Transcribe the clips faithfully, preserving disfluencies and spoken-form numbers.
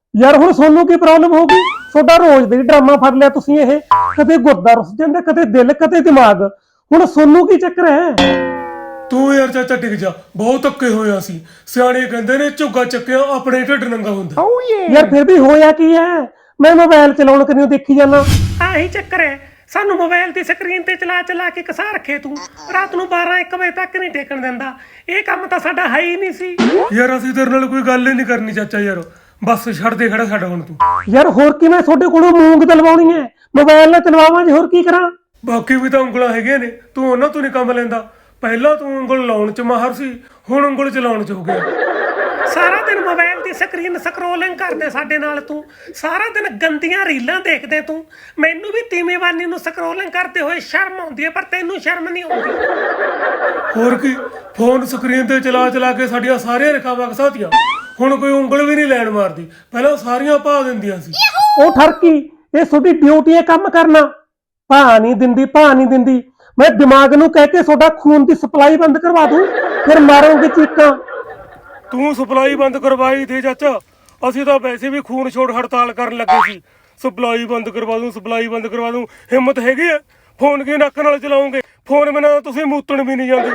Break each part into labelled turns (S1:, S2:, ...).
S1: ਯਾਰ ਹੁਣ ਸੋਨੂੰ ਕੀ ਪ੍ਰੋਬਲਮ ਹੋ ਗਈ? ਤੁਹਾਡਾ ਰੋਜ਼ ਦੇ ਡਰਾਮਾ ਫੜ ਲਿਆ ਤੁਸੀਂ। ਇਹ ਕਦੇ ਗੁਰਦਾ ਰੁੱਸ ਜਾਂਦਾ, ਕਦੇ ਦਿਲ, ਕਦੇ ਦਿਮਾਗ। ਹੁਣ ਸੋਨੂੰ ਕੀ ਚੱਕਰ ਹੈ?
S2: ਤੂੰ ਯਾਰ ਚਾਚਾ ਟਿਕ ਜਾ, ਬਹੁਤ ਧੱਕੇ ਹੋਇਆ ਸੀ। ਸਿਆਣੇ ਕਹਿੰਦੇ ਨੇ ਝੁੱਗਾ ਚੱਕਿਆ ਆਪਣੇ ਢਿੱਡ ਨੰਗਾ ਹੁੰਦਾ।
S1: ਯਾਰ ਫਿਰ ਵੀ ਹੋਇਆ ਕੀ ਹੈ? ਮੈਂ ਮੋਬਾਈਲ ਚਲਾਉਣ ਕਰਿਓ ਦੇਖੀ ਜਾਂਦਾ।
S3: ਆਹੀ ਚੱਕਰ ਹੈ, ਸਾਨੂੰ ਮੋਬਾਈਲ ਦੀ ਸਕਰੀਨ ਤੇ ਚਲਾ ਚਲਾ ਕੇ ਕਸਾ ਰੱਖੇ ਤੂੰ। ਰਾਤ ਨੂੰ ਬਾਰਾਂ ਇੱਕ ਵਜੇ ਤੱਕ ਨਹੀਂ ਟੇਕਣ ਦਿੰਦਾ। ਇਹ ਕੰਮ ਤਾਂ ਸਾਡਾ ਹੈ ਹੀ ਨਹੀਂ ਸੀ।
S2: ਯਾਰ ਅਸੀਂ ਤੇਰੇ ਨਾਲ ਕੋਈ ਗੱਲ ਹੀ ਨਹੀਂ ਕਰਨੀ ਚਾਚਾ। ਯਾਰ ਬਸ ਛੱਡ ਦੇ ਖੜਾ ਸਾਡਾ ਹੁਣ ਤੂੰ।
S1: ਯਾਰ ਹੋਰ ਕੀ ਮੈਂ ਤੁਹਾਡੇ ਕੋਲੋਂ ਮੂੰਗ ਦਲਵਾਉਣੀ ਹੈ? ਮੋਬਾਈਲ ਨਾਲ ਚਲਵਾਵਾਂ ਜੀ, ਹੋਰ ਕੀ ਕਰਾਂ?
S2: ਬਾਕੀ ਵੀ ਤਾਂ ਉਂਗਲਾਂ ਹੈਗੀਆਂ ਨੇ, ਤੂੰ ਉਹਨਾਂ ਤੋਂ ਨਹੀਂ ਕੰਮ ਲੈਂਦਾ। ਪਹਿਲਾਂ ਤੂੰ ਉਂਗਲ ਲਾਉਣ 'ਚ ਮਾਹਰ ਸੀ, ਹੁਣ ਉਂਗਲ ਚਲਾਉਣ 'ਚ ਹੋ ਗਿਆ।
S3: ਸਾਰਾ ਦਿਨ ਮੋਬਾਈਲ ਦੀ ਸਕਰੀਨ ਸਕਰੋਲਿੰਗ ਕਰਦੇ ਸਾਡੇ ਨਾਲ ਤੂੰ। ਸਾਰਾ ਦਿਨ ਗੰਦੀਆਂ ਰੀਲਾਂ ਦੇਖਦੇ ਤੂੰ। ਮੈਨੂੰ ਵੀ ਤੀਵੀਂਵਾਨੀ ਨੂੰ ਸਕਰੋਲਿੰਗ ਕਰਦੇ ਹੋਏ ਸ਼ਰਮ ਆਉਂਦੀ ਹੈ, ਪਰ ਤੈਨੂੰ ਸ਼ਰਮ ਨਹੀਂ ਆਉਂਦੀ।
S2: ਹੋਰ ਕੀ, ਫੋਨ ਸਕਰੀਨ ਤੇ ਚਲਾ ਚਲਾ ਕੇ ਸਾਡੀਆਂ ਸਾਰੀਆਂ ਰੇਖਾਵਾਂ ਘਸਾਤੀਆਂ। ਹੁਣ ਕੋਈ ਉਂਗਲ ਵੀ ਨਹੀਂ ਲੈਣ ਮਾਰਦੀ, ਪਹਿਲਾਂ ਸਾਰੀਆਂ ਭਾ ਦਿੰਦੀਆਂ ਸੀ।
S1: ਉਹ ਠਰਕੀ, ਇਹ ਤੁਹਾਡੀ ਡਿਊਟੀ ਹੈ ਕੰਮ ਕਰਨਾ। ਭਾ ਨਹੀਂ ਦਿੰਦੀ, ਭਾ ਨਹੀਂ ਦਿੰਦੀ। ਮੈਂ ਦਿਮਾਗ ਨੂੰ ਕਹਿ ਕੇ ਤੁਹਾਡਾ ਖੂਨ ਦੀ ਸਪਲਾਈ ਬੰਦ ਕਰਵਾ ਦੂੰ, ਫਿਰ ਮਾਰੋਗੇ ਚੀਕਾਂ।
S2: ਤੂੰ ਸਪਲਾਈ ਬੰਦ ਕਰਵਾਈ ਦੇ ਚਾਚਾ। ਅਸੀਂ ਤਾਂ ਵੈਸੇ ਵੀ ਖੂਨ ਛੋੜ ਹੜਤਾਲ ਕਰਨ ਲੱਗੇ ਸੀ। ਸਪਲਾਈ ਬੰਦ ਕਰਵਾ ਦੂੰ, ਸਪਲਾਈ ਬੰਦ ਕਰਵਾ ਦੂੰ। ਹਿੰਮਤ ਹੈਗੀ ਹੈ? ਫੋਨ ਕੀ ਨੱਕ ਨਾਲ ਚਲਾਉਂਗੇ? ਫੋਨ ਬਿਨਾਂ ਤੁਸੀਂ ਮੂਤਣ ਵੀ ਨਹੀਂ ਜਾਂਦੇ।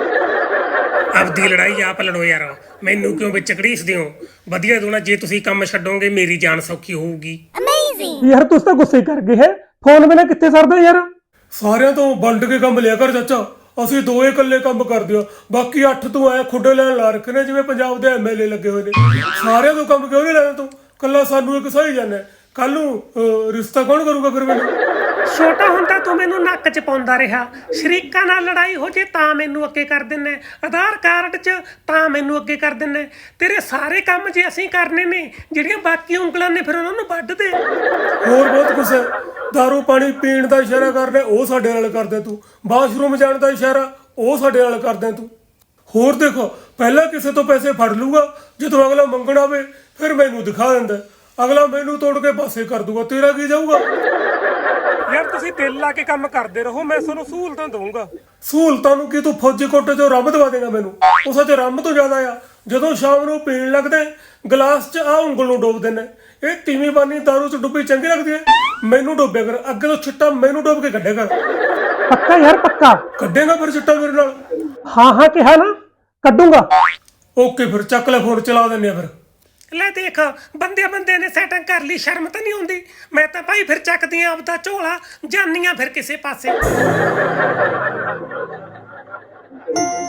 S3: ਆਪਦੀ ਲੜਾਈ ਆਪ ਲੜੋ ਯਾਰ, ਮੈਨੂੰ ਕਿਉਂ ਵਿੱਚ ਘੜੀਸਦੇ ਹੋ? ਵਧੀਆ ਦੋਣਾ, ਜੇ ਤੁਸੀਂ ਕੰਮ ਛੱਡੋਗੇ ਮੇਰੀ ਜਾਨ ਸੌਖੀ ਹੋਊਗੀ।
S1: ਯਾਰ ਤੁਸੀਂ ਤਾਂ ਗੁੱਸੇ ਕਰ ਗਏ ਹੈ। ਫੋਨ ਬਿਨਾਂ ਕਿੱਥੇ ਸਰਦਾ ਯਾਰ?
S2: ਸਾਰਿਆਂ ਤੋਂ ਵੰਡ ਕੇ ਕੰਮ ਲਿਆ ਕਰ ਚਾਚਾ। ਅਸੀਂ ਦੋਏ ਇਕੱਲੇ ਕੰਮ ਕਰਦੇ ਆ, ਬਾਕੀ ਅੱਠ ਤੂੰ ਆਇਆ ਖੁੱਡੇ ਲੈਣ ਲਾ ਰੱਖੇ ਨੇ ਜਿਵੇਂ ਪੰਜਾਬ ਦੇ ਐਮ ਐਲ ਏ ਲੱਗੇ ਹੋਏ ਨੇ। ਸਾਰਿਆਂ ਤੋਂ ਕੰਮ ਕਿਉਂ ਨਹੀਂ ਲੈਣਾ ਤੂੰ? ਕੱਲਾ ਸਾਨੂੰ ਇੱਕ ਸਹੀ ਜਾਂਦਾ। ਕੱਲ ਨੂੰ ਅਹ, ਰਿਸ਼ਤਾ ਕੌਣ ਕਰੂਗਾ ਫਿਰ ਮੈਨੂੰ?
S3: ਛੋਟਾ ਹੁੰਦਾ ਤੂੰ ਮੈਨੂੰ ਨੱਕ 'ਚ ਪਾਉਂਦਾ ਰਿਹਾ। ਸ਼ਰੀਕਾਂ ਨਾਲ ਲੜਾਈ ਹੋ ਜੇ ਤਾਂ ਮੈਨੂੰ ਅੱਗੇ ਕਰ ਦਿੰਨੇ, ਆਧਾਰ ਕਾਰਡ 'ਚ ਤਾਂ ਮੈਨੂੰ ਅੱਗੇ ਕਰ ਦਿੰਨੇ। ਤੇਰੇ ਸਾਰੇ ਕੰਮ ਜੇ ਅਸੀਂ ਕਰਨੇ ਨੇ, ਜਿਹੜੀਆਂ ਬਾਕੀ ਉਂਗਲਾਂ ਨੇ ਫਿਰ ਉਹਨਾਂ ਨੂੰ ਵੱਢ ਦੇ।
S2: ਹੋਰ ਬਹੁਤ ਕੁਛ ਹੈ। ਦਾਰੂ ਪਾਣੀ ਪੀਣ ਦਾ ਇਸ਼ਾਰਾ ਕਰਦਾ ਉਹ ਸਾਡੇ ਨਾਲ ਕਰਦੇ ਤੂੰ। ਬਾਥਰੂਮ ਜਾਣ ਦਾ ਇਸ਼ਾਰਾ ਉਹ ਸਾਡੇ ਨਾਲ ਕਰਦੇ ਤੂੰ। ਹੋਰ ਦੇਖੋ, ਪਹਿਲਾਂ ਕਿਸੇ ਤੋਂ ਪੈਸੇ ਫੜ ਲੂਗਾ, ਜਦੋਂ ਅਗਲਾ ਮੰਗਣ ਆਵੇ ਫਿਰ ਮੈਨੂੰ ਦਿਖਾ ਦਿੰਦਾ। ਅਗਲਾ ਮੈਨੂੰ ਤੋੜ ਕੇ ਪਾਸੇ ਕਰ ਦੂਗਾ, ਤੇਰਾ ਕੀ ਜਾਊਗਾ?
S3: ਯਾਰ ਤੁਸੀਂ ਦਿਲ ਲਾ ਕੇ ਕੰਮ ਕਰਦੇ ਰਹੋ, ਮੈਂ ਤੁਹਾਨੂੰ ਸਹੂਲਤਾਂ ਦਊਂਗਾ।
S2: ਸਹੂਲਤਾਂ ਨੂੰ ਕੀ ਤੂੰ ਫੌਜੀ ਕੋਟੇ ਚੋਂ ਰੱਬ ਦਵਾ ਦੇਗਾ ਮੈਨੂੰ? ਉਸ ਚ ਰੱਬ ਤੋਂ ਜ਼ਿਆਦਾ ਆ। ਜਦੋਂ ਸ਼ਾਮ ਨੂੰ ਪੀਣ ਲੱਗਦੇ ਗਲਾਸ 'ਚ ਆ ਉਂਗਲ ਨੂੰ ਡੋਬ ਦਿੰਦੇ। ਇਹ ਤੀਵੀਂ ਬਾਨੀ ਦਾਰੂ 'ਚ ਡੁੱਬੀ ਚੰਗੀ ਲੱਗਦੀ ਹੈ? ਮੈਨੂੰ ਡੋਬਿਆ ਕਰ, ਅੱਗੇ ਤੋਂ ਛਿੱਟਾ ਮੈਨੂੰ ਡੋਬ ਕੇ ਕੱਢਿਆ ਕਰ।
S1: ਪੱਕਾ ਯਾਰ, ਪੱਕਾ।
S2: ਕੱਢੇਗਾ ਫਿਰ ਛਿੱਟਾ ਮੇਰੇ ਨਾਲ?
S1: ਹਾਂ ਹਾਂ ਕਿਹਾ ਨਾ, ਕੱਢੂੰਗਾ।
S2: ਓਕੇ ਫਿਰ ਚੱਕ ਲੈ ਫੋਨ, ਚਲਾ ਦਿੰਦੇ ਆ ਫਿਰ।
S3: ਲੈ ਦੇਖ, ਬੰਦੇ ਬੰਦੇ ਨੇ ਸੈਟਿੰਗ ਕਰ ਲਈ, ਸ਼ਰਮ ਤਾਂ ਨਹੀਂ ਆਉਂਦੀ? ਮੈਂ ਤਾਂ ਭਾਈ ਫਿਰ ਚੱਕਦੀ ਆਂ ਆਪਦਾ ਝੋਲਾ, ਜਾਂਦੀਆਂ ਫਿਰ ਕਿਸੇ ਪਾਸੇ।